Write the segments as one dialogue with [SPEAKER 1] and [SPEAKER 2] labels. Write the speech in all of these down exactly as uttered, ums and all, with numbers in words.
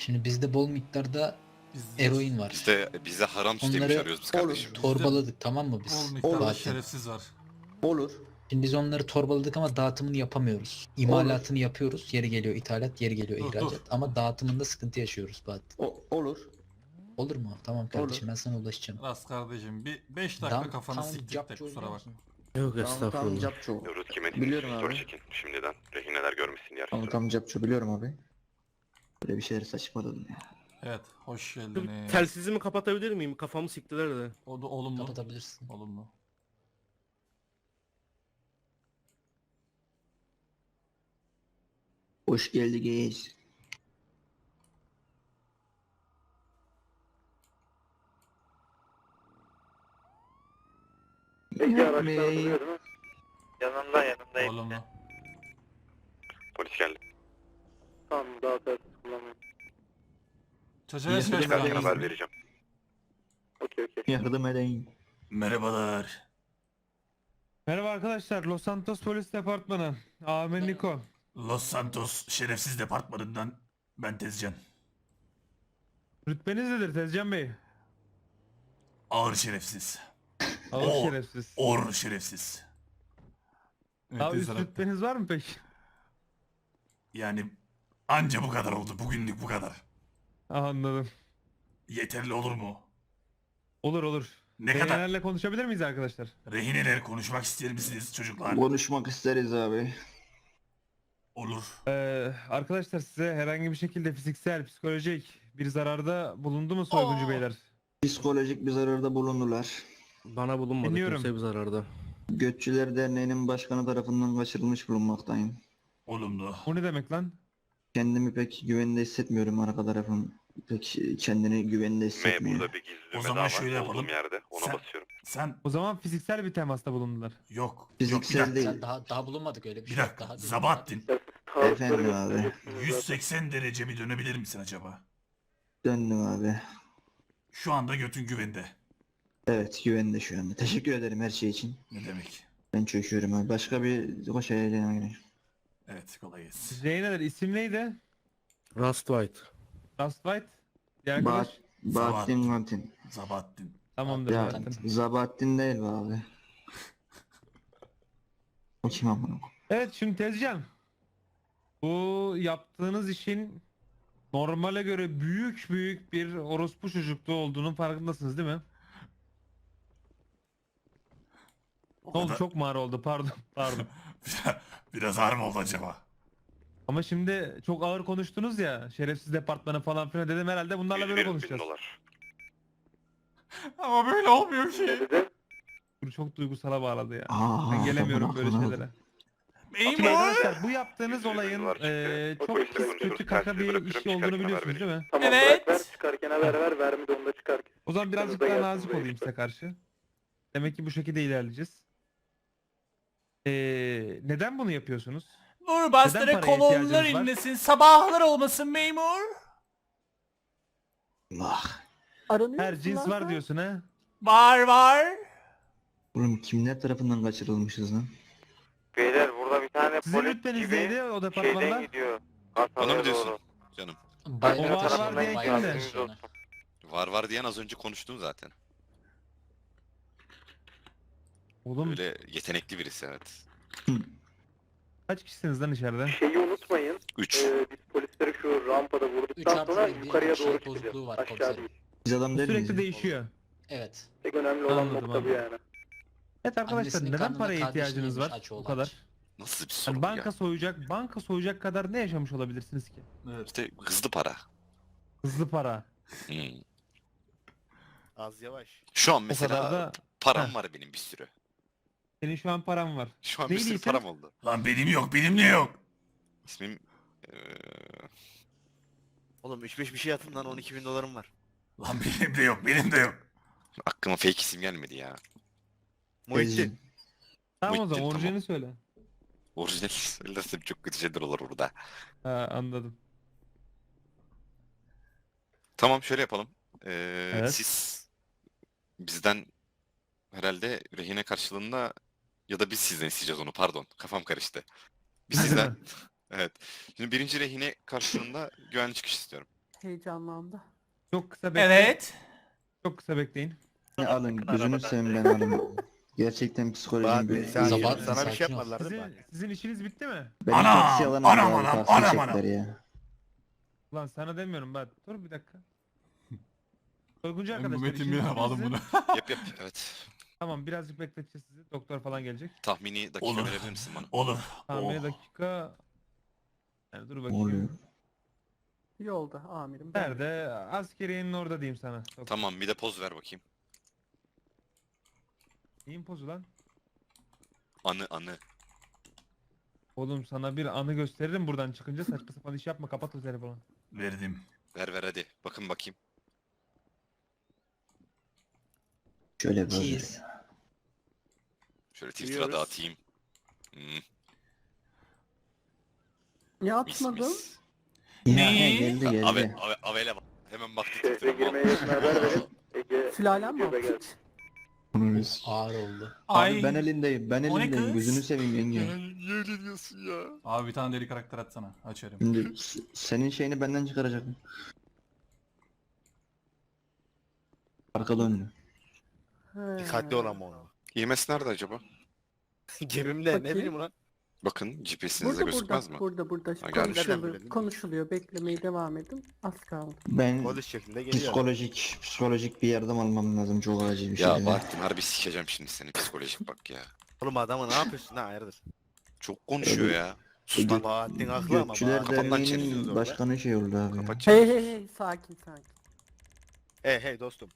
[SPEAKER 1] Şimdi bizde bol miktarda
[SPEAKER 2] Bizde,
[SPEAKER 1] eroin var.
[SPEAKER 3] Bizde bize haram süt yemiş
[SPEAKER 1] Onları
[SPEAKER 3] arıyoruz biz
[SPEAKER 4] olur.
[SPEAKER 3] kardeşim.
[SPEAKER 1] Torbaladık, tamam mı
[SPEAKER 2] bol
[SPEAKER 1] biz?
[SPEAKER 2] miktarda
[SPEAKER 1] Fatih.
[SPEAKER 2] şerefsiz var.
[SPEAKER 4] Olur.
[SPEAKER 1] Şimdi biz onları torbaladık ama dağıtımını yapamıyoruz. İmalatını yapıyoruz. Yeri geliyor ithalat, yeri geliyor
[SPEAKER 2] Dur,
[SPEAKER 1] ihracat.
[SPEAKER 2] dur.
[SPEAKER 1] Ama dağıtımında sıkıntı yaşıyoruz Fatih.
[SPEAKER 4] O, olur.
[SPEAKER 1] Olur mu? Tamam kardeşim, ben sana ulaşacağım.
[SPEAKER 2] Ras kardeşim bir beş dakika
[SPEAKER 1] Dam-
[SPEAKER 2] kafanı
[SPEAKER 1] tam
[SPEAKER 2] siktik de
[SPEAKER 1] capçı
[SPEAKER 2] kusura
[SPEAKER 1] oynuyor
[SPEAKER 2] bak.
[SPEAKER 1] musun?
[SPEAKER 5] Yok
[SPEAKER 4] Tamam tamam
[SPEAKER 5] estağfurullah.
[SPEAKER 4] capço.
[SPEAKER 3] Rut kime
[SPEAKER 4] Biliyorum abi.
[SPEAKER 3] çekin şimdiden. Rehineler görmesin diğer
[SPEAKER 4] Tamam tamam capço biliyorum abi. Böyle bir şeyler saçmaladım ya.
[SPEAKER 2] Evet hoş
[SPEAKER 5] Şu
[SPEAKER 2] geldiniz.
[SPEAKER 5] Telsizimi kapatabilir miyim? Kafamı siktiler de.
[SPEAKER 2] O da olumlu.
[SPEAKER 1] Kapatabilirsin.
[SPEAKER 2] Olumlu.
[SPEAKER 4] Hoş geldiniz.
[SPEAKER 6] Peki araçlar
[SPEAKER 4] Bey.
[SPEAKER 6] duruyor değil mi? Yanımda yanımdayım.
[SPEAKER 2] Olumlu.
[SPEAKER 3] Polis geldi.
[SPEAKER 6] Tamam daha tersiz kullanmayın.
[SPEAKER 2] Çocuğa
[SPEAKER 4] İyi,
[SPEAKER 2] söyle.
[SPEAKER 4] çıkarken
[SPEAKER 3] Çıkarken haber vereceğim.
[SPEAKER 6] Okey okey.
[SPEAKER 4] Yardım edin.
[SPEAKER 2] Merhabalar.
[SPEAKER 7] Merhaba arkadaşlar, Los Santos Polis Departmanı. Amin Niko.
[SPEAKER 2] Los Santos Şerefsiz Departmanı'ndan ben Tezcan.
[SPEAKER 7] Rütbeniz nedir Tezcan Bey?
[SPEAKER 2] Ağır şerefsiz.
[SPEAKER 7] Ağır
[SPEAKER 2] Oo.
[SPEAKER 7] şerefsiz.
[SPEAKER 2] Or şerefsiz.
[SPEAKER 7] Daha üst rütbeniz var mı peki?
[SPEAKER 2] Yani anca bu kadar oldu. Bugünlük bu kadar.
[SPEAKER 7] Ah, anladım.
[SPEAKER 2] Yeterli olur mu?
[SPEAKER 7] Olur olur.
[SPEAKER 2] Ne kadar?
[SPEAKER 7] Rehinelerle konuşabilir miyiz arkadaşlar?
[SPEAKER 2] Rehineler konuşmak ister misiniz çocuklar?
[SPEAKER 4] Konuşmak isteriz abi.
[SPEAKER 2] Olur.
[SPEAKER 7] Ee, arkadaşlar size herhangi bir şekilde fiziksel, psikolojik bir zararda bulundu mu soyguncu
[SPEAKER 2] Aa.
[SPEAKER 7] beyler?
[SPEAKER 4] Psikolojik bir zararda bulundular.
[SPEAKER 5] Bana bulunmadı
[SPEAKER 7] Dinliyorum.
[SPEAKER 5] kimse bir zararda.
[SPEAKER 4] Götçüler Derneği'nin başkanı tarafından kaçırılmış bulunmaktayım.
[SPEAKER 2] Olumlu.
[SPEAKER 7] O ne demek lan?
[SPEAKER 4] Kendimi pek güvende hissetmiyorum, arka tarafım pek kendini güvende
[SPEAKER 3] M
[SPEAKER 4] hissetmiyor.
[SPEAKER 3] burada bir gizli
[SPEAKER 2] O
[SPEAKER 3] düğme
[SPEAKER 2] zaman
[SPEAKER 3] daha var.
[SPEAKER 2] şöyle yapalım.
[SPEAKER 3] Olduğum yerde. Ona
[SPEAKER 2] Sen-
[SPEAKER 3] basıyorum.
[SPEAKER 2] Sen
[SPEAKER 7] O zaman fiziksel bir temasta bulundular.
[SPEAKER 2] yok.
[SPEAKER 4] Fiziksel
[SPEAKER 2] yok bir dakika.
[SPEAKER 4] değil.
[SPEAKER 1] Sen daha daha bulunmadık öyle bir,
[SPEAKER 2] Bir
[SPEAKER 1] şey yok.
[SPEAKER 2] dakika.
[SPEAKER 1] Daha değil.
[SPEAKER 2] Zabahattin.
[SPEAKER 4] Efendim abi.
[SPEAKER 2] yüz seksen derece bir dönebilir misin acaba?
[SPEAKER 4] Döndüm abi.
[SPEAKER 2] Şu anda götün güvende.
[SPEAKER 4] Evet, güvende şu anda. Teşekkür ederim her şey için.
[SPEAKER 2] Ne demek?
[SPEAKER 4] Ben çöküyorum abi. Başka bir koş eğlenelim.
[SPEAKER 2] Evet kolay gelsin.
[SPEAKER 7] Rehineler isim neydi?
[SPEAKER 5] Rust White.
[SPEAKER 7] Rust White. Diğer arkadaş.
[SPEAKER 4] Ba Bahattin Kantin.
[SPEAKER 2] Zabahattin.
[SPEAKER 7] Tamamdır
[SPEAKER 4] Ya
[SPEAKER 7] zaten.
[SPEAKER 4] Zabahattin değil be abi. O kim amına?
[SPEAKER 7] Evet şimdi Tezcan. Bu yaptığınız işin normale göre büyük büyük bir orospu çocukluğu olduğunun farkındasınız değil mi?
[SPEAKER 2] O
[SPEAKER 7] Ne oldu,
[SPEAKER 2] kadar-
[SPEAKER 7] çok mu ağır oldu, pardon pardon.
[SPEAKER 2] Biraz ağır mı oldu acaba?
[SPEAKER 7] Ama şimdi çok ağır konuştunuz ya, şerefsiz departmanı falan filan dedim, herhalde bunlarla
[SPEAKER 3] yüz
[SPEAKER 7] böyle
[SPEAKER 3] bir bin
[SPEAKER 7] konuşacağız.
[SPEAKER 3] dolar.
[SPEAKER 2] Ama böyle olmuyor ki.
[SPEAKER 6] Ne dedi?
[SPEAKER 7] Bu çok duygusala bağladı ya.
[SPEAKER 4] Aa,
[SPEAKER 7] Ben gelemiyorum
[SPEAKER 4] amına
[SPEAKER 7] böyle
[SPEAKER 4] koyayım.
[SPEAKER 7] şeylere. Şimdi
[SPEAKER 2] Memur.
[SPEAKER 7] arkadaşlar bu yaptığınız
[SPEAKER 3] Yüz bir bin
[SPEAKER 7] olayın
[SPEAKER 3] dolar çıktı.
[SPEAKER 7] eee,
[SPEAKER 6] O
[SPEAKER 7] çok
[SPEAKER 6] polise
[SPEAKER 7] pis
[SPEAKER 3] konuşuruz.
[SPEAKER 7] kötü kaka
[SPEAKER 3] Telsizi
[SPEAKER 7] bir
[SPEAKER 3] bırakıyorum,
[SPEAKER 7] iş
[SPEAKER 3] çıkarken
[SPEAKER 7] olduğunu
[SPEAKER 3] haber
[SPEAKER 7] biliyorsunuz değil mi?
[SPEAKER 6] Tamam
[SPEAKER 2] Evet.
[SPEAKER 6] bırak ver çıkarken haber ver vermi de onda çıkar.
[SPEAKER 7] O zaman birazcık
[SPEAKER 6] Yanınızda
[SPEAKER 7] daha
[SPEAKER 6] gelsin
[SPEAKER 7] nazik
[SPEAKER 6] buraya
[SPEAKER 7] olayım
[SPEAKER 6] işte.
[SPEAKER 7] size karşı. Demek ki bu şekilde ilerleyeceğiz. Eee, neden bunu yapıyorsunuz?
[SPEAKER 2] Dur
[SPEAKER 7] bastıra Neden paraya kolonlar ihtiyacınız var?
[SPEAKER 2] inlesin. Sabahlar olmasın memur.
[SPEAKER 4] Allah.
[SPEAKER 7] Her cins var diyorsun ha?
[SPEAKER 2] Var var.
[SPEAKER 4] Oğlum kimler tarafından kaçırılmışız lan?
[SPEAKER 6] Beyler burada bir tane
[SPEAKER 7] Sizin rütbeniz neydi o departmanda?
[SPEAKER 6] gidiyor.
[SPEAKER 3] Bana mı diyorsun? Canım.
[SPEAKER 1] Bayrağı
[SPEAKER 7] O var
[SPEAKER 1] taşıyan
[SPEAKER 7] var diye
[SPEAKER 1] bayrağı
[SPEAKER 7] kimdi?
[SPEAKER 1] taşıyana.
[SPEAKER 3] Var var diyen az önce konuştum zaten.
[SPEAKER 7] Oğlum
[SPEAKER 3] Böyle yetenekli birisi evet.
[SPEAKER 7] kaç kişisiniz lan içeride?
[SPEAKER 6] Şeyi unutmayın.
[SPEAKER 3] üç.
[SPEAKER 6] Ee, biz polisleri şu rampada
[SPEAKER 1] Üç
[SPEAKER 6] vurduktan
[SPEAKER 1] artı
[SPEAKER 6] sonra
[SPEAKER 1] bir bir
[SPEAKER 6] yukarıya
[SPEAKER 1] şey
[SPEAKER 6] doğru
[SPEAKER 1] bozukluğu
[SPEAKER 6] çıkacağız.
[SPEAKER 1] var
[SPEAKER 6] Aşağı
[SPEAKER 1] komiserim.
[SPEAKER 6] değil.
[SPEAKER 4] Biz adam değil miyiz?
[SPEAKER 7] Sürekli değişiyor.
[SPEAKER 1] Evet.
[SPEAKER 6] Tek önemli olan
[SPEAKER 7] Anladım,
[SPEAKER 6] nokta bu
[SPEAKER 7] anladım.
[SPEAKER 6] yani.
[SPEAKER 7] Evet arkadaşlar,
[SPEAKER 1] Annesinin
[SPEAKER 7] neden
[SPEAKER 1] karnında
[SPEAKER 7] paraya
[SPEAKER 1] kardeşini
[SPEAKER 7] ihtiyacınız
[SPEAKER 1] yemiş
[SPEAKER 7] var
[SPEAKER 1] aç
[SPEAKER 7] bu
[SPEAKER 1] oğlan.
[SPEAKER 7] kadar?
[SPEAKER 3] Nasıl bir soru
[SPEAKER 7] Yani
[SPEAKER 3] bu
[SPEAKER 7] banka
[SPEAKER 3] ya?
[SPEAKER 7] soyacak, banka soyacak kadar ne yaşamış olabilirsiniz ki?
[SPEAKER 2] Evet.
[SPEAKER 3] İşte hızlı para.
[SPEAKER 7] Hızlı para.
[SPEAKER 3] Hmm.
[SPEAKER 5] Az yavaş.
[SPEAKER 3] Şu an
[SPEAKER 7] O
[SPEAKER 3] mesela
[SPEAKER 7] kadar da
[SPEAKER 3] param
[SPEAKER 7] Heh.
[SPEAKER 3] var benim bir sürü.
[SPEAKER 7] senin şu an paran var.
[SPEAKER 3] Şu an
[SPEAKER 7] Neydi
[SPEAKER 3] bir sürü
[SPEAKER 7] isim?
[SPEAKER 3] param oldu.
[SPEAKER 2] Lan benim yok benim de yok.
[SPEAKER 3] İsmim eee
[SPEAKER 8] Oğlum üç beş bir şey atın lan on iki bin dolarım var.
[SPEAKER 2] Lan benim de yok benim de yok.
[SPEAKER 3] aklıma fake isim gelmedi ya.
[SPEAKER 8] Muhittin.
[SPEAKER 7] Tamam o
[SPEAKER 3] Muhittin,
[SPEAKER 7] zaman
[SPEAKER 3] tamam.
[SPEAKER 7] orijinalini söyle.
[SPEAKER 3] Orijinal söylersem çok kötü şeyler olur burada.
[SPEAKER 7] Ha, anladım.
[SPEAKER 3] Tamam şöyle yapalım. Eee,
[SPEAKER 7] Evet.
[SPEAKER 3] Siz bizden herhalde rehine karşılığında ya da biz sizden isteyeceğiz onu pardon kafam karıştı. Biz sizden evet. Şimdi birinci rehine karşılığında güvenli çıkış istiyorum.
[SPEAKER 9] Heyecanlandı.
[SPEAKER 7] Çok kısa bekleyin.
[SPEAKER 2] Evet.
[SPEAKER 7] Çok kısa bekleyin.
[SPEAKER 4] Ne alın gözünü seveyim ben alın. Gerçekten psikolojim
[SPEAKER 8] Bahattin
[SPEAKER 4] böyle.
[SPEAKER 8] sen
[SPEAKER 1] Zaman-
[SPEAKER 8] sana bir
[SPEAKER 1] sakin
[SPEAKER 8] şey
[SPEAKER 1] ol.
[SPEAKER 8] yapmadılar değil mi?
[SPEAKER 7] Sizin,
[SPEAKER 8] Bahattin?
[SPEAKER 7] sizin işiniz bitti mi?
[SPEAKER 4] Beni
[SPEAKER 2] Anam,
[SPEAKER 4] taksi alan
[SPEAKER 2] anam,
[SPEAKER 4] abi,
[SPEAKER 2] anam,
[SPEAKER 4] taksi
[SPEAKER 2] anam,
[SPEAKER 4] çektiler
[SPEAKER 2] anam.
[SPEAKER 4] ya.
[SPEAKER 7] Ulan sana demiyorum ben. Dur bir dakika. Soyguncu
[SPEAKER 2] Ben bu
[SPEAKER 7] arkadaşlar
[SPEAKER 2] Metin
[SPEAKER 7] işiniz
[SPEAKER 2] bir
[SPEAKER 7] bitti
[SPEAKER 2] alın
[SPEAKER 7] mi?
[SPEAKER 2] bunu.
[SPEAKER 3] Yap yap evet.
[SPEAKER 7] Tamam birazcık bekleteceğiz sizi. Doktor falan gelecek.
[SPEAKER 3] Tahmini dakika
[SPEAKER 2] Olur.
[SPEAKER 3] verebilir misin bana?
[SPEAKER 2] Olur.
[SPEAKER 7] Tahmini
[SPEAKER 2] Oh.
[SPEAKER 7] dakika. Yani dur
[SPEAKER 4] Ne
[SPEAKER 7] bakayım.
[SPEAKER 4] oluyor?
[SPEAKER 9] Yolda amirim. ben-
[SPEAKER 7] Nerede? Askeriyenin orada diyeyim sana. Doktor.
[SPEAKER 3] Tamam bir de poz ver bakayım.
[SPEAKER 7] Neyin pozu lan?
[SPEAKER 3] Anı anı.
[SPEAKER 7] Oğlum sana bir anı gösteririm buradan çıkınca saçma sapan iş yapma kapat o telefonu.
[SPEAKER 2] Verdim.
[SPEAKER 3] Ver ver hadi. Bakın bakayım.
[SPEAKER 4] Şöyle böyle.
[SPEAKER 1] Cheese.
[SPEAKER 3] Şöyle Twitter'a
[SPEAKER 8] Biliyoruz.
[SPEAKER 3] dağıtayım. Hmm,
[SPEAKER 9] Ya
[SPEAKER 3] mis
[SPEAKER 9] atmadım.
[SPEAKER 3] mis.
[SPEAKER 4] Ya,
[SPEAKER 2] Ne?
[SPEAKER 4] geldi geldi.
[SPEAKER 3] Ave, ave, avele bak. Hemen baktı
[SPEAKER 6] Şehre
[SPEAKER 3] Twitter'a.
[SPEAKER 6] girmeye yakın haber verin. Ege
[SPEAKER 9] Sülalem mi
[SPEAKER 6] YouTube'a
[SPEAKER 9] o?
[SPEAKER 6] geldi.
[SPEAKER 4] Bunu biz-
[SPEAKER 1] Ağır oldu.
[SPEAKER 4] Abi ben elindeyim ben
[SPEAKER 2] O ne
[SPEAKER 4] elindeyim
[SPEAKER 2] kız?
[SPEAKER 4] gözünü seveyim yenge.
[SPEAKER 3] Niye öyle diyorsun ya?
[SPEAKER 2] Abi bir tane deli karakter atsana. Açarım.
[SPEAKER 4] Şimdi s- senin şeyini benden çıkaracak. Arka döndü.
[SPEAKER 9] He.
[SPEAKER 8] Dikkatli ol ama onu.
[SPEAKER 3] İ M S nerede acaba?
[SPEAKER 8] Cebimde ne
[SPEAKER 9] Bakayım.
[SPEAKER 8] bileyim ulan.
[SPEAKER 3] Bakın G P S'inizde
[SPEAKER 9] Burada
[SPEAKER 3] gözükmez
[SPEAKER 9] burada
[SPEAKER 3] mi?
[SPEAKER 9] burada burada
[SPEAKER 3] Ha, gelmiş.
[SPEAKER 8] Nereden
[SPEAKER 9] konuşuluyor,
[SPEAKER 8] bildin?
[SPEAKER 9] konuşuluyor. Beklemeye devam edin. Az kaldı.
[SPEAKER 4] Ben
[SPEAKER 8] Polis şeklinde geliyor.
[SPEAKER 4] psikolojik psikolojik bir yardım almam lazım çok acil bir şey.
[SPEAKER 3] Ya Bahattin harbi sikeceğim şimdi seni psikolojik bak ya.
[SPEAKER 8] Oğlum adamı ne yapıyorsun ha hayırdır?
[SPEAKER 3] Çok konuşuyor ya. Sus lan.
[SPEAKER 8] Bahattin haklı ama.
[SPEAKER 4] Gökçüler
[SPEAKER 8] Bahattin-
[SPEAKER 3] Kafandan
[SPEAKER 4] Derneği'nin
[SPEAKER 3] çeviriyoruz
[SPEAKER 8] orada.
[SPEAKER 4] başkanı şey oldu abi. ya.
[SPEAKER 3] Kapat
[SPEAKER 9] Hey
[SPEAKER 3] çeneni.
[SPEAKER 9] hey hey sakin sakin.
[SPEAKER 8] Hey hey dostum.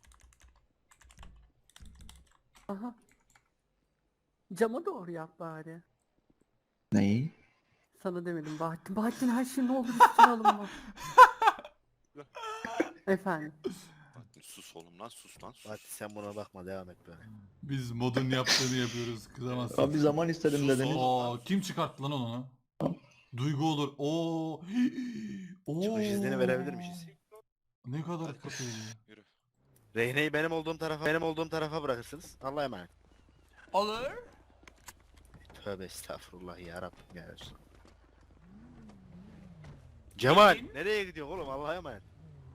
[SPEAKER 9] Aha. Cama doğru yap bari.
[SPEAKER 4] Neyi?
[SPEAKER 9] Sana demedim Bahattin. Bahattin her şey ne olur üstüne alınma. Efendim.
[SPEAKER 3] Bahattin sus oğlum lan sus lan sus.
[SPEAKER 8] Bahattin sen buna bakma devam et böyle.
[SPEAKER 2] Biz modun yaptığını yapıyoruz. Kızamazsın.
[SPEAKER 4] Abi zaman istedim
[SPEAKER 3] Sus
[SPEAKER 4] dediniz.
[SPEAKER 2] Oo, kim çıkarttı lan onu? Duygu olur. Oo. Oo.
[SPEAKER 8] Çıkış iznini verebilir miyiz?
[SPEAKER 2] Ne kadar kötü.
[SPEAKER 3] Yürü.
[SPEAKER 8] Reyneyi benim olduğum tarafa benim olduğum tarafa bırakırsınız. Allah'a emanet.
[SPEAKER 2] Olur.
[SPEAKER 8] Tövbe estağfurullah ya Rabbim ya Resul. Cemal nereye gidiyor oğlum Allah'a emanet.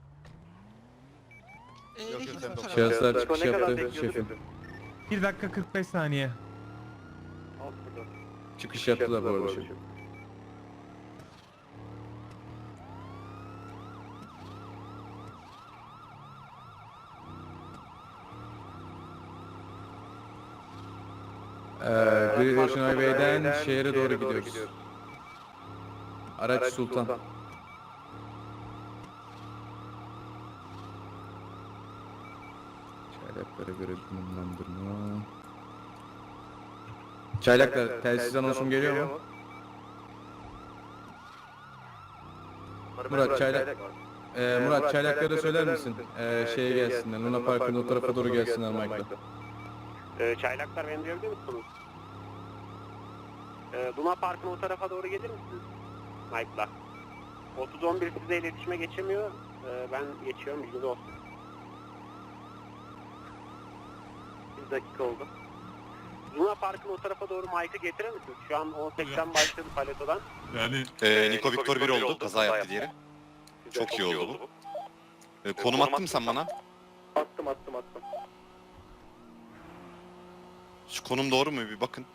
[SPEAKER 8] Yok yok sen doktor.
[SPEAKER 5] Şahıslar çıkış
[SPEAKER 6] Ne kadar
[SPEAKER 5] yaptı
[SPEAKER 6] bekliyorsun?
[SPEAKER 5] şefim.
[SPEAKER 7] bir dakika kırk beş saniye.
[SPEAKER 6] Al burada.
[SPEAKER 5] Çıkış yaptılar bu arada şefim. Ee, Great Ocean Highway'den şehre doğru gidiyoruz. Araç Sultan. Çaylaklara göre konumlandırma. Çaylaklar telsiz anonsum geliyor mu? Murat Çaylak. Ee, Murat Çaylaklara söyler misin? Ee, şeye gelsinler. Luna Park'ın o tarafa doğru gelsinler Mike'la.
[SPEAKER 6] Ee, çaylaklar beni duyabiliyor musunuz? Ee, Luna Park'ın o tarafa doğru gelir misiniz? Mike'la. otuz on bir sizle iletişime geçemiyor. Ee, ben geçiyorum bilginiz olsun. Bir dakika oldu. Luna Park'ın o tarafa doğru Mike'ı getirir misiniz? Şu an on seksen başladı paletodan.
[SPEAKER 2] Yani
[SPEAKER 3] Ee, Niko Victor bir oldu. Kaza yaptı diğeri. Çok iyi oldu bu. Ee, konum attın mı sen bana?
[SPEAKER 6] Attım attım attım.
[SPEAKER 3] Şu konum doğru mu bir bakın.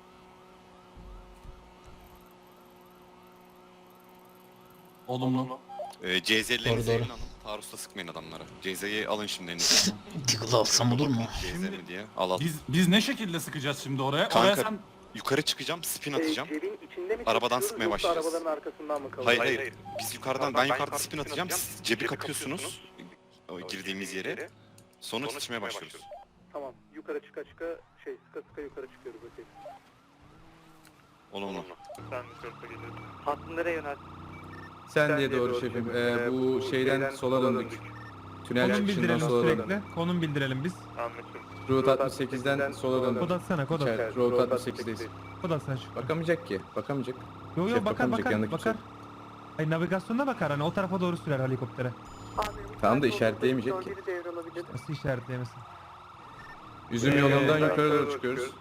[SPEAKER 2] olumlu.
[SPEAKER 3] Ee, C Z'lerinizi
[SPEAKER 1] Doğru, doğru.
[SPEAKER 3] eline alın. Taarruzda sıkmayın adamlara. C Z'yi alın şimdi elinize.
[SPEAKER 1] Tiggle alsam olur mu?
[SPEAKER 3] C Z mi diye. Al al.
[SPEAKER 2] Biz biz ne şekilde sıkacağız şimdi oraya?
[SPEAKER 3] Kanka,
[SPEAKER 2] Oraya sen
[SPEAKER 3] Yukarı çıkacağım, spin atacağım.
[SPEAKER 6] Ee, cebin içinde mi
[SPEAKER 3] Arabadan
[SPEAKER 6] çalışıyoruz
[SPEAKER 3] sıkmaya
[SPEAKER 6] yoksa
[SPEAKER 3] başlayacağız.
[SPEAKER 6] arabaların arkasından mı kalıyor?
[SPEAKER 3] Hayır hayır. Biz yukarıdan, ben yukarıda spin atacağım. Siz cebi kapıyorsunuz. O girdiğimiz yere. Sonra sıçmaya başlıyoruz.
[SPEAKER 6] Tamam. Yukarı çıka çıka şey sıka sıka yukarı çıkıyoruz. Okey.
[SPEAKER 3] Olumlu.
[SPEAKER 6] Sen yukarı geliyorsun. Hattın nereye yönelt?
[SPEAKER 5] Sen diye doğru şefim. Ee, bu şeyden sola döndük. Tünel
[SPEAKER 7] Konum
[SPEAKER 5] çıkışından
[SPEAKER 7] bildirelim
[SPEAKER 5] sola döndük.
[SPEAKER 7] sürekli. Konum bildirelim biz.
[SPEAKER 6] Anlaşıldı.
[SPEAKER 5] Route altmış sekizden sola döndük.
[SPEAKER 7] Kod atsana kod at.
[SPEAKER 5] Çay- Route altmış sekizdeyiz.
[SPEAKER 7] Kod atsana şu.
[SPEAKER 5] Bakamayacak ki. Bakamayacak.
[SPEAKER 7] Yo yo
[SPEAKER 5] Şef
[SPEAKER 7] bakar
[SPEAKER 5] bakamayacak,
[SPEAKER 7] bakar
[SPEAKER 5] yanındaki
[SPEAKER 7] bakar.
[SPEAKER 5] kimse.
[SPEAKER 7] Hayır navigasyonda bakar hani o tarafa doğru sürer helikoptere.
[SPEAKER 5] Tamam da işaretleyemeyecek ki.
[SPEAKER 7] Nasıl işaretleyemesin?
[SPEAKER 5] Üzüm yolundan yukarı doğru çıkıyoruz.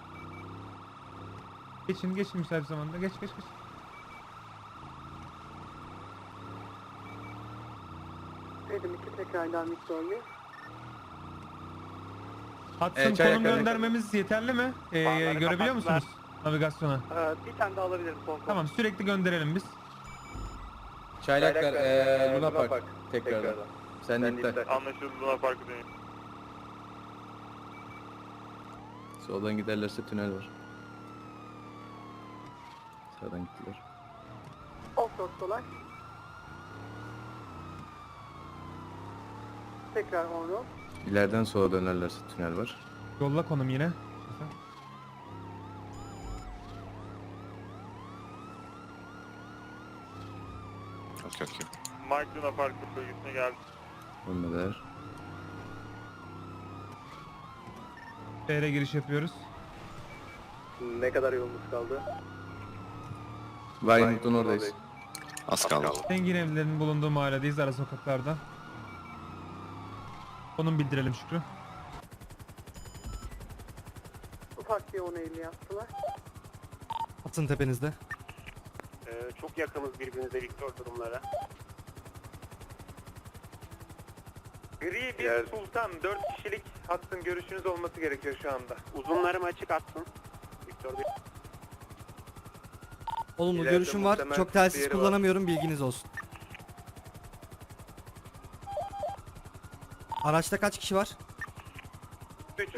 [SPEAKER 7] Geçin geçin müsait zamanda geç geç geç.
[SPEAKER 9] Edim iki tekrardan Victor Bey.
[SPEAKER 7] Hudson
[SPEAKER 5] Ee,
[SPEAKER 7] konum
[SPEAKER 5] Çaylaklar-
[SPEAKER 7] göndermemiz yeterli mi? Ee,
[SPEAKER 6] Farları
[SPEAKER 7] görebiliyor
[SPEAKER 6] kapattılar.
[SPEAKER 7] musunuz navigasyona?
[SPEAKER 6] Ee, bir tane daha alabilirim son konu.
[SPEAKER 7] Tamam, sürekli gönderelim biz.
[SPEAKER 5] Çaylaklar eee Luna Park tekrardan. Sen de iptal.
[SPEAKER 6] Anlaşıldı, Luna Park'ı dönüyor.
[SPEAKER 5] Soldan giderlerse tünel var. Sağdan gittiler.
[SPEAKER 9] Offroad dolar. Tekrar on-road.
[SPEAKER 5] İleriden sola dönerlerse tünel var.
[SPEAKER 7] Yolla konum yine.
[SPEAKER 3] Okey okey.
[SPEAKER 6] Mike Luna Park bölgesine geldi.
[SPEAKER 5] Ölmediler.
[SPEAKER 7] Şehre giriş yapıyoruz.
[SPEAKER 6] Ne kadar yolumuz kaldı?
[SPEAKER 5] Vinewood'un oradayız.
[SPEAKER 3] Az kaldı.
[SPEAKER 7] Zengin evlerinin bulunduğu mahalledeyiz, ara sokaklarda. Konum bildirelim Şükrü.
[SPEAKER 9] Ufak bir on elli yaptılar.
[SPEAKER 8] Atın tepenizde.
[SPEAKER 6] Ee, çok yakınız birbirinize Victor durumlara.
[SPEAKER 10] Gri bir Sultan, dört kişilik hattın görüşünüz olması gerekiyor şu anda.
[SPEAKER 6] Uzunlarım açık atsın. Victor Bey.
[SPEAKER 8] Olumlu
[SPEAKER 10] İleride
[SPEAKER 8] görüşüm var.
[SPEAKER 10] muhtemel
[SPEAKER 8] Çok telsiz
[SPEAKER 10] diğeri var.
[SPEAKER 8] kullanamıyorum, bilginiz olsun. Araçta kaç kişi var?
[SPEAKER 10] üç.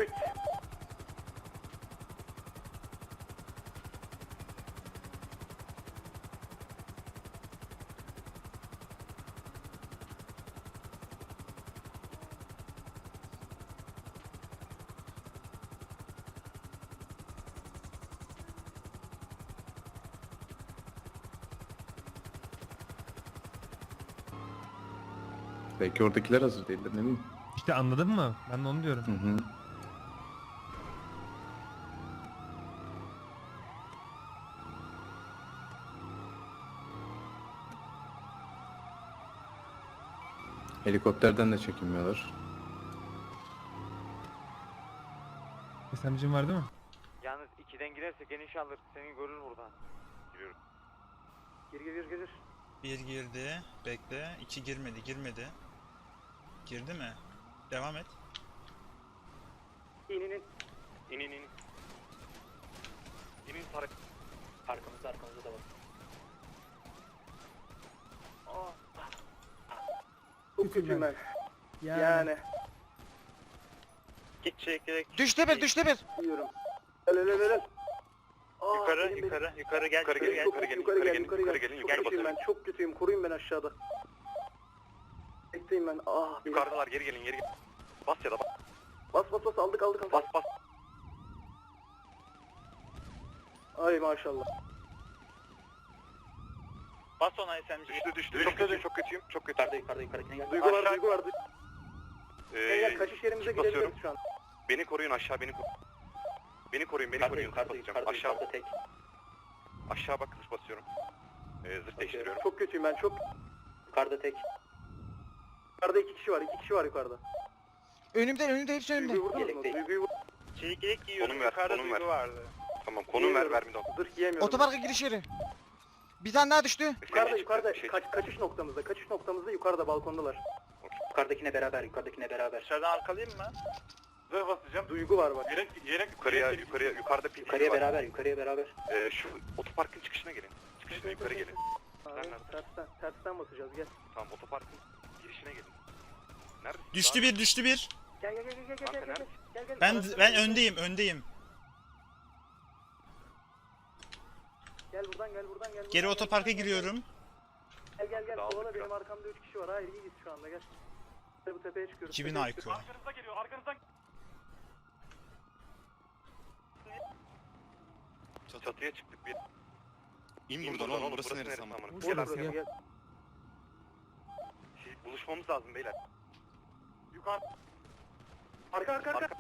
[SPEAKER 5] Belki oradakiler hazır değildir ne bileyim.
[SPEAKER 7] İşte anladın mı? Ben de onu diyorum.
[SPEAKER 5] Hı hı. Helikopterden de çekinmiyorlar.
[SPEAKER 7] S M G'in var değil mi?
[SPEAKER 10] Yalnız ikiden girersek geniş alır, seni görür buradan. Giriyorum. Gir gir gir gir.
[SPEAKER 11] Bir girdi. Bekle. İki girmedi. Girmedi. Girdi mi? Devam et.
[SPEAKER 6] İn in in. İn in in. İn in Tarık. Arkamızda arkamızda da var.
[SPEAKER 9] Çok kötüyüm ben. Yani.
[SPEAKER 6] Git çekerek.
[SPEAKER 10] Düştü bir, düştü bir.
[SPEAKER 9] Diyorum. El el el el. Aa,
[SPEAKER 6] Yukarı
[SPEAKER 9] benim-
[SPEAKER 6] yukarı yukarı gel.
[SPEAKER 10] Yukarı
[SPEAKER 6] Yukarı
[SPEAKER 10] gel,
[SPEAKER 6] gel.
[SPEAKER 10] yukarı gel,
[SPEAKER 9] yukarı gel,
[SPEAKER 10] yukarı
[SPEAKER 9] yukarı
[SPEAKER 10] gelin,
[SPEAKER 9] gel.
[SPEAKER 10] yukarı gelin,
[SPEAKER 9] Çok
[SPEAKER 10] yukarı
[SPEAKER 9] kötüyüm
[SPEAKER 10] basıyorum.
[SPEAKER 9] ben, çok kötüyüm. Koruyun beni aşağıda. Bekleyin ben. Ah. benim-
[SPEAKER 10] Yukarıdalar, geri gelin, geri gelin. Bas ya da bas.
[SPEAKER 9] Bas bas bas aldık aldık aldık.
[SPEAKER 10] Bas bas.
[SPEAKER 9] Ay maşallah.
[SPEAKER 6] Bas ona S M G.
[SPEAKER 10] Düştü düştü. Çok kötüyüm, çok kötüyüm, çok kötü.
[SPEAKER 6] Yukarıda yukarıda yukarıdakine gel.
[SPEAKER 9] Duygu var
[SPEAKER 10] Aşağı-
[SPEAKER 9] duygu var. Gel gel
[SPEAKER 10] Ee,
[SPEAKER 9] kaçış yerimize
[SPEAKER 10] basıyorum.
[SPEAKER 9] gidebiliriz şu an.
[SPEAKER 10] beni koruyun aşağı, beni koruyun. Beni koruyun, beni
[SPEAKER 6] Yukarıda
[SPEAKER 10] koruyun.
[SPEAKER 6] yukarıda
[SPEAKER 10] Basacağım.
[SPEAKER 6] yukarıda
[SPEAKER 10] Aşağı,
[SPEAKER 6] yukarıda tek.
[SPEAKER 10] aşağı bak, zırh basıyorum. Ee, zırh değiştiriyorum.
[SPEAKER 9] Çok kötüyüm ben çok.
[SPEAKER 6] Yukarıda tek.
[SPEAKER 9] Yukarıda iki kişi var iki kişi var yukarıda.
[SPEAKER 8] Önümde, önümde, hepsi önümde.
[SPEAKER 9] Duyguyu vurdunuz mu?
[SPEAKER 6] Yelek değil.
[SPEAKER 9] Duyguyu vur.
[SPEAKER 6] Çekirdek giyiyorum.
[SPEAKER 10] Konum ver,
[SPEAKER 6] Yukarıda
[SPEAKER 10] konum ver.
[SPEAKER 6] duygu vardı.
[SPEAKER 10] Tamam, konum ver, ver bir daha.
[SPEAKER 9] Zırh giyemiyorum.
[SPEAKER 8] Otoparka giriş yeri. Bir tane daha düştü.
[SPEAKER 9] Yukarıda
[SPEAKER 10] Bir
[SPEAKER 9] yukarıda
[SPEAKER 10] şey-
[SPEAKER 9] kaç, kaçış noktamızda kaçış noktamızda yukarıda balkondalar.
[SPEAKER 6] Yukarıdakine beraber yukarıdakine beraber.
[SPEAKER 10] Dışarıdan arkalayayım mı? Zırh basacağım.
[SPEAKER 9] Duygu var bak.
[SPEAKER 10] Yelek, yelek yukarıya, yukarıya, yukarıda P T
[SPEAKER 6] Yukarıya
[SPEAKER 10] var.
[SPEAKER 6] beraber yukarıya beraber.
[SPEAKER 10] Ee, şu otoparkın çıkışına gelin. Çıkışına yukarı gelin.
[SPEAKER 9] Abi,
[SPEAKER 10] Nerede?
[SPEAKER 9] tersten, tersten basacağız gel.
[SPEAKER 10] Tamam, otoparkın girişine gelin. Neredesin?
[SPEAKER 11] Düştü bir, düştü bir.
[SPEAKER 9] Gel gel gel gel gel gel
[SPEAKER 10] Kanka
[SPEAKER 9] gel
[SPEAKER 10] nerede?
[SPEAKER 9] gel gel.
[SPEAKER 11] Ben
[SPEAKER 9] Araçtan
[SPEAKER 11] ben
[SPEAKER 9] gel.
[SPEAKER 11] öndeyim, öndeyim.
[SPEAKER 9] Gel buradan gel buradan gel.
[SPEAKER 11] Geri
[SPEAKER 9] buradan,
[SPEAKER 11] otoparka
[SPEAKER 9] gel, gel,
[SPEAKER 11] giriyorum.
[SPEAKER 9] Gel gel gel.
[SPEAKER 10] Dağıldık
[SPEAKER 9] Kovala
[SPEAKER 10] ya.
[SPEAKER 9] benim arkamda üç kişi var. Hayır iyiyiz şu anda gel. Bu tepeye çıkıyoruz.
[SPEAKER 11] iki bin
[SPEAKER 9] tepeye
[SPEAKER 11] I Q.
[SPEAKER 9] çıkıyoruz.
[SPEAKER 10] Arkanızda geliyor, arkanızdan. Çatıya çıktık bir.
[SPEAKER 3] İn buradan oğlum, burası neresi ama?
[SPEAKER 9] Vur
[SPEAKER 5] Gel,
[SPEAKER 9] burası,
[SPEAKER 5] gel.
[SPEAKER 9] gel.
[SPEAKER 10] Şey, buluşmamız lazım beyler. Yukarı.
[SPEAKER 9] Arka arka arka.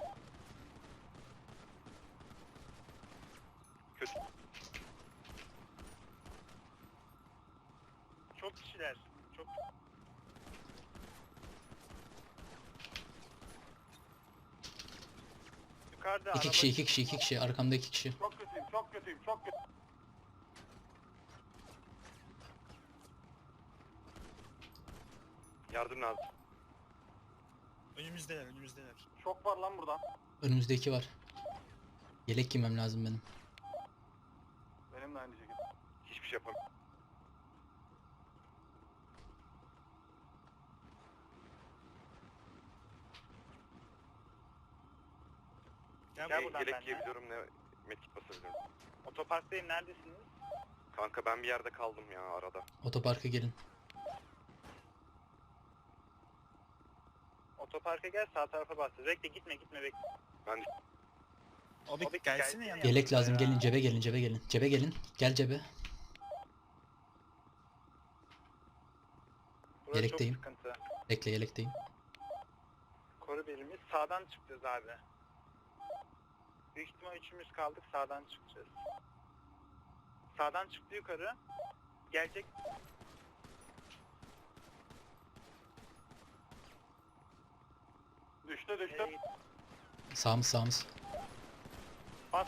[SPEAKER 10] Kötü.
[SPEAKER 6] Çok kişiler. Çok. Yukarıda
[SPEAKER 1] İki kişi iki kişi iki kişi arkamda iki kişi.
[SPEAKER 10] Çok kötüyüm, çok kötüyüm, çok kötü. Yardım lazım.
[SPEAKER 11] Önümüzdeler, önümüzdeler.
[SPEAKER 6] Çok var lan burada.
[SPEAKER 1] Önümüzde iki var. Yelek giymem lazım benim.
[SPEAKER 6] Benim de aynı şekilde.
[SPEAKER 3] Hiçbir şey yapamam.
[SPEAKER 11] Gel,
[SPEAKER 10] Gel
[SPEAKER 11] buradan
[SPEAKER 10] buradan
[SPEAKER 11] benimle.
[SPEAKER 10] yelek
[SPEAKER 3] giyebiliyorum ne medkit basabiliyorum.
[SPEAKER 11] Otoparktayım, neredesiniz?
[SPEAKER 3] Kanka ben bir yerde kaldım ya arada.
[SPEAKER 1] Otoparka gelin.
[SPEAKER 11] Otoparka gel, sağ tarafa bas. Bekle, gitme, gitme, bekle.
[SPEAKER 3] Ben
[SPEAKER 11] Abi, Abi gelsene yanıma.
[SPEAKER 1] Yelek lazım,
[SPEAKER 11] Ya.
[SPEAKER 1] gelin cebe gelin cebe gelin. Cebe gelin. Gel cebe.
[SPEAKER 11] Burası
[SPEAKER 1] Yelekteyim.
[SPEAKER 11] çok sıkıntı.
[SPEAKER 1] Bekle, yelekteyim.
[SPEAKER 11] Koru birimiz. Sağdan çıkacağız abi. Büyük ihtimal üçümüz kaldık, sağdan çıkacağız. Sağdan çıktı yukarı. Gelecek.
[SPEAKER 6] Düştü düştü.
[SPEAKER 11] Nereye gitti?
[SPEAKER 1] Sağımız sağımız.
[SPEAKER 11] Bas.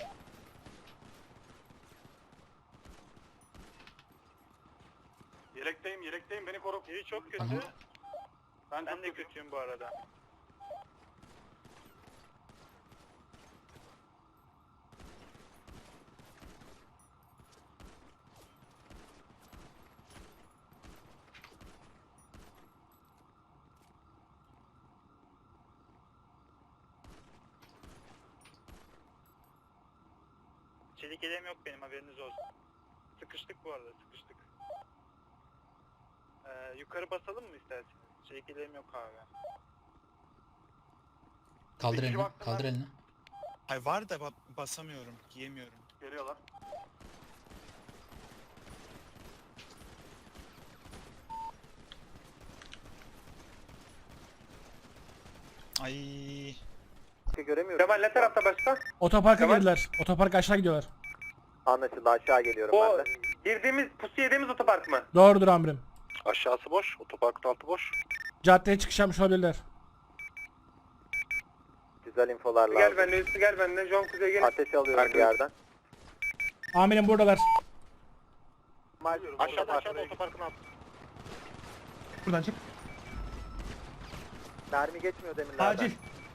[SPEAKER 6] Yelekteyim yelekteyim beni koru.
[SPEAKER 11] Biri çok kötü.
[SPEAKER 1] Tamam.
[SPEAKER 6] Ben,
[SPEAKER 11] Ben
[SPEAKER 6] çok
[SPEAKER 11] de
[SPEAKER 6] kötüyüm.
[SPEAKER 11] kötüyüm bu arada. Çelik elem yok benim, haberiniz olsun. Sıkıştık bu arada, sıkıştık. Ee, yukarı basalım mı isterseniz? Çelik elem yok abi.
[SPEAKER 1] Kaldır
[SPEAKER 6] Bir kişi
[SPEAKER 1] elini.
[SPEAKER 6] baktı
[SPEAKER 1] Kaldır
[SPEAKER 6] lan.
[SPEAKER 1] elini.
[SPEAKER 11] Ay var da ba- basamıyorum, giyemiyorum.
[SPEAKER 6] Geliyorlar.
[SPEAKER 11] Ay.
[SPEAKER 8] Göremiyorum.
[SPEAKER 6] Kemal ne tarafta başka?
[SPEAKER 5] Otoparka
[SPEAKER 6] Kemal-
[SPEAKER 5] girdiler. Otoparka aşağı gidiyorlar.
[SPEAKER 8] Anlaşıldı, aşağı geliyorum
[SPEAKER 6] O
[SPEAKER 8] ben de.
[SPEAKER 6] girdiğimiz pusu yediğimiz otopark mı?
[SPEAKER 5] Doğrudur amirim.
[SPEAKER 3] aşağısı boş, otoparkın altı boş.
[SPEAKER 5] Caddeye çıkış yapmış olabilirler.
[SPEAKER 8] Güzel infolar lazım.
[SPEAKER 6] Gel benimle üstü gel benimle. John Kuzey gel.
[SPEAKER 8] Ateş alıyorum bir yerden.
[SPEAKER 5] Amirim buradalar.
[SPEAKER 6] Aşağıda aşağıda otoparkın altı.
[SPEAKER 7] Buradan çık.
[SPEAKER 8] Mermi geçmiyor demirlerden.
[SPEAKER 7] Acil.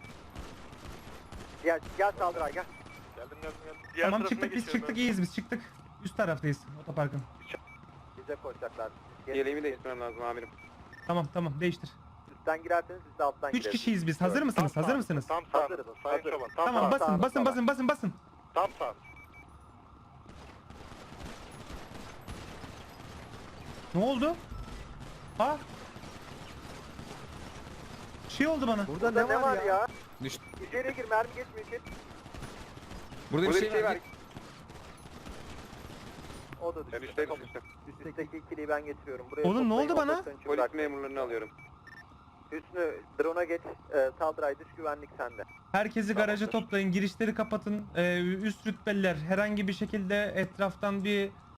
[SPEAKER 8] Gel, gel Saldıray gel.
[SPEAKER 3] Geldim geldim geldim.
[SPEAKER 6] Diğer
[SPEAKER 7] Tamam
[SPEAKER 6] tarafına
[SPEAKER 7] çıktık biz
[SPEAKER 6] geçiyorum
[SPEAKER 7] çıktık iyiyiz biz çıktık. Üst taraftayız otoparkın.
[SPEAKER 8] Bize koşacaklar. Gel.
[SPEAKER 3] Yeleğimi değiştirmem lazım amirim.
[SPEAKER 7] Tamam tamam değiştir.
[SPEAKER 8] Üstten girerseniz siz de alttan
[SPEAKER 7] Üç
[SPEAKER 8] girersiniz.
[SPEAKER 7] kişiyiz biz. Hazır mısınız? Hazır mısınız?
[SPEAKER 3] Tam
[SPEAKER 8] Hazırız,
[SPEAKER 3] Sayın
[SPEAKER 8] hazırız.
[SPEAKER 3] Çoban. Tam
[SPEAKER 7] Tamam
[SPEAKER 8] sağ,
[SPEAKER 7] basın
[SPEAKER 8] sağ,
[SPEAKER 7] basın
[SPEAKER 8] sağ.
[SPEAKER 7] basın basın basın.
[SPEAKER 3] Tam sağ.
[SPEAKER 7] Ne oldu? Ha? Şey oldu bana.
[SPEAKER 8] Burada ne, var ya?
[SPEAKER 5] Düş-
[SPEAKER 8] İçeriye gir, mermi geçmiyor içeri.
[SPEAKER 5] Burada,
[SPEAKER 3] bir şey var.
[SPEAKER 8] O da düştü.
[SPEAKER 3] Ben üstteyim üstte.
[SPEAKER 8] Üstteki ikiliyi ben getiriyorum. Buraya
[SPEAKER 7] Oğlum, ne
[SPEAKER 8] toplayın,
[SPEAKER 7] oldu bana?
[SPEAKER 8] operasyon için
[SPEAKER 3] Polis
[SPEAKER 8] bırak.
[SPEAKER 3] memurlarını alıyorum.
[SPEAKER 8] Hüsnü, drone'a geç. E, Saldıray dış güvenlik sende.
[SPEAKER 7] Herkesi garaja
[SPEAKER 3] Tamamdır.
[SPEAKER 7] toplayın. Girişleri kapatın. Ee, üst rütbeliler herhangi bir şekilde etraftan bir